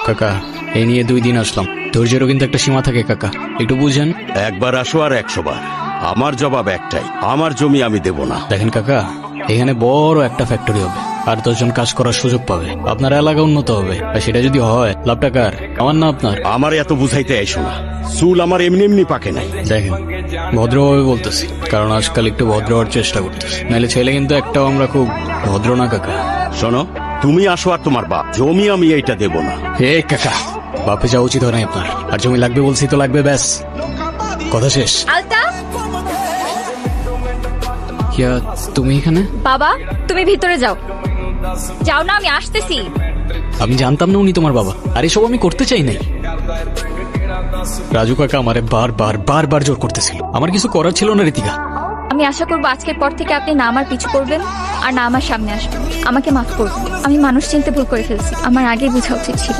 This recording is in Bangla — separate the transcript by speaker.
Speaker 1: কাকা এই নিয়ে 2 দিন আসলাম, ধৈর্যেরও কিন্তু একটা সীমা থাকে কাকা, একটু বুঝেন।
Speaker 2: একবার আসো আর 100 বার। আমার জবাব একটাই, আমার জমি আমি দেব না।
Speaker 1: দেখেন কাকা, এখানে বড় একটা ফ্যাক্টরি হবে, আর 10 জন কাজ করার সুযোগ পাবে, আপনার এলাকা উন্নত হবে, আর সেটা যদি হয় লাভটা কার, আমার না আপনার?
Speaker 2: আমার এত বুঝাইতে আইসো না, চুল আমার এমনি এমনি পাকে নাই।
Speaker 1: দেখেন ভদ্রভাবে বলতেছি, কারণ আজকাল একটু ভদ্র হওয়ার চেষ্টা করতেছি, নাহলে ছেলে কিন্তু একটাও আমরা খুব ভদ্র না কাকা।
Speaker 2: শোনো, তুমি আসো আর তোমার বাপ, জমি আমি এইটা দেব না।
Speaker 1: হে কাকা, বাপে যাওয়া উচিত হয় না আপনার, আর জমি লাগবে বলছি তো লাগবে, ব্যাস কথা শেষ।
Speaker 3: আলতা,
Speaker 1: কিয়া তুমি এখানে?
Speaker 3: বাবা তুমি ভিতরে যাও। যাও না, আমি আসতেছি।
Speaker 1: আমি জানতাম না উনি তোমার বাবা, আর এসব আমি করতে চাই নাই। রাজু কাকা আমারে বারবার জোর করতেছিল, আমার কিছু করার ছিল না রীতিকা।
Speaker 3: আমি আশা করবো আজকের পর থেকে আপনি না আমার পিছু করবেন আর না আমার সামনে আসবেন। আমাকে মাফ করবেন, আমি মানুষ চিনতে ভুল করে ফেলছি, আমার আগেই বোঝা উচিত ছিল।